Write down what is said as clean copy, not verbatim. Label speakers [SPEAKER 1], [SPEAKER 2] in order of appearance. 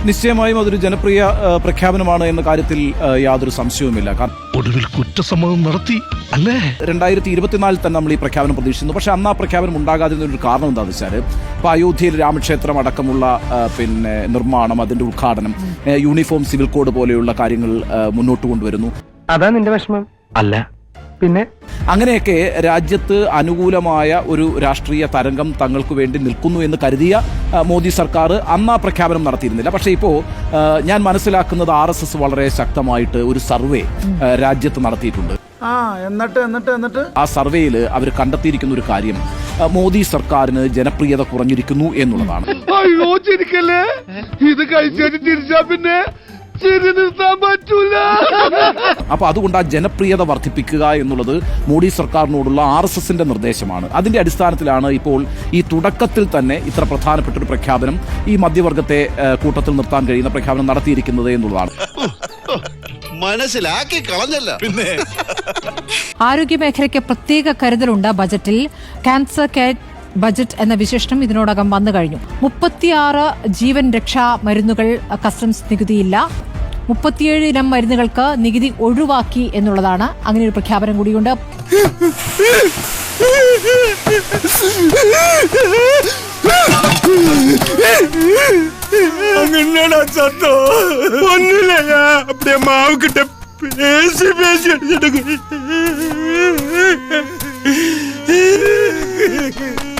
[SPEAKER 1] നിശ്ചയമായും അതൊരു ജനപ്രിയ പ്രഖ്യാപനമാണ് എന്ന കാര്യത്തിൽ യാതൊരു സംശയവുമില്ല.
[SPEAKER 2] ഒടുവിൽ കുറ്റസമ്മതം നടത്തി അല്ലേ?
[SPEAKER 1] 2024 തന്നെ നമ്മൾ ഈ പ്രഖ്യാപനം പ്രതീക്ഷിക്കുന്നു. പക്ഷെ അന്ന് ആ പ്രഖ്യാപനം ഉണ്ടാകാതിരുന്നൊരു കാരണം എന്താണെന്ന് വെച്ചാൽ ഇപ്പോൾ അയോധ്യയിൽ രാമക്ഷേത്രം അടക്കമുള്ള നിർമ്മാണം, അതിന്റെ ഉദ്ഘാടനം, യൂണിഫോം സിവിൽ കോഡ് പോലെയുള്ള കാര്യങ്ങൾ മുന്നോട്ട് കൊണ്ടുവരുന്നു.
[SPEAKER 3] അതാ നിന്റെ വിഷമം? അല്ല പിന്നെ
[SPEAKER 1] അങ്ങനെയൊക്കെ രാജ്യത്ത് അനുകൂലമായ ഒരു രാഷ്ട്രീയ തരംഗം തങ്ങൾക്ക് വേണ്ടി നിൽക്കുന്നു എന്ന് കരുതിയ മോദി സർക്കാർ അന്ന് ആ പ്രഖ്യാപനം നടത്തിയിരുന്നില്ല. പക്ഷേ ഇപ്പോൾ ഞാൻ മനസ്സിലാക്കുന്നത് RSS വളരെ ശക്തമായിട്ട് ഒരു സർവേ രാജ്യത്ത് നടത്തിയിട്ടുണ്ട്.
[SPEAKER 4] എന്നിട്ട്
[SPEAKER 1] ആ സർവേയിൽ അവർ കണ്ടെത്തിയിരിക്കുന്ന ഒരു കാര്യം മോദി സർക്കാരിന് ജനപ്രിയത കുറഞ്ഞിരിക്കുന്നു എന്നുള്ളതാണ്.
[SPEAKER 2] അയ്യോ ചിരിക്കല്ലേ, ഇത് കഴിച്ചിട്ട് ചിരിച്ചാ പിന്നെ
[SPEAKER 1] അപ്പൊ അതുകൊണ്ട് ആ ജനപ്രിയത വർദ്ധിപ്പിക്കുക എന്നുള്ളത് മോഡി സർക്കാരിനോടുള്ള RSSന്റെ നിർദ്ദേശമാണ്. അതിന്റെ അടിസ്ഥാനത്തിലാണ് ഇപ്പോൾ ഈ തുടക്കത്തിൽ തന്നെ ഇത്ര പ്രധാനപ്പെട്ട ഒരു പ്രഖ്യാപനം, ഈ മധ്യവർഗത്തെ കൂട്ടത്തിൽ നിർത്താൻ കഴിയുന്ന പ്രഖ്യാപനം നടത്തിയിരിക്കുന്നത് എന്നുള്ളതാണ്.
[SPEAKER 5] മനസ്സിലാക്കി കളഞ്ഞല്ല. പിന്നെ
[SPEAKER 6] ആരോഗ്യ മേഖലയ്ക്ക് പ്രത്യേക കരുതലുണ്ട് ബജറ്റിൽ. ക്യാൻസർ കെയർ ബജറ്റ് എന്ന വിശേഷണം ഇതിനോടകം വന്നു കഴിഞ്ഞു. 36 ജീവൻ രക്ഷാ മരുന്നുകൾ കസ്റ്റംസ് നികുതിയില്ല. 37 ഇനം മരുന്നുകൾക്ക് നികുതി ഒഴിവാക്കി എന്നുള്ളതാണ്. അങ്ങനെ ഒരു പ്രഖ്യാപനം കൂടിയുണ്ട്.
[SPEAKER 2] മാവ് കിട്ട പേശി പേശി അടിച്ചിട്ട്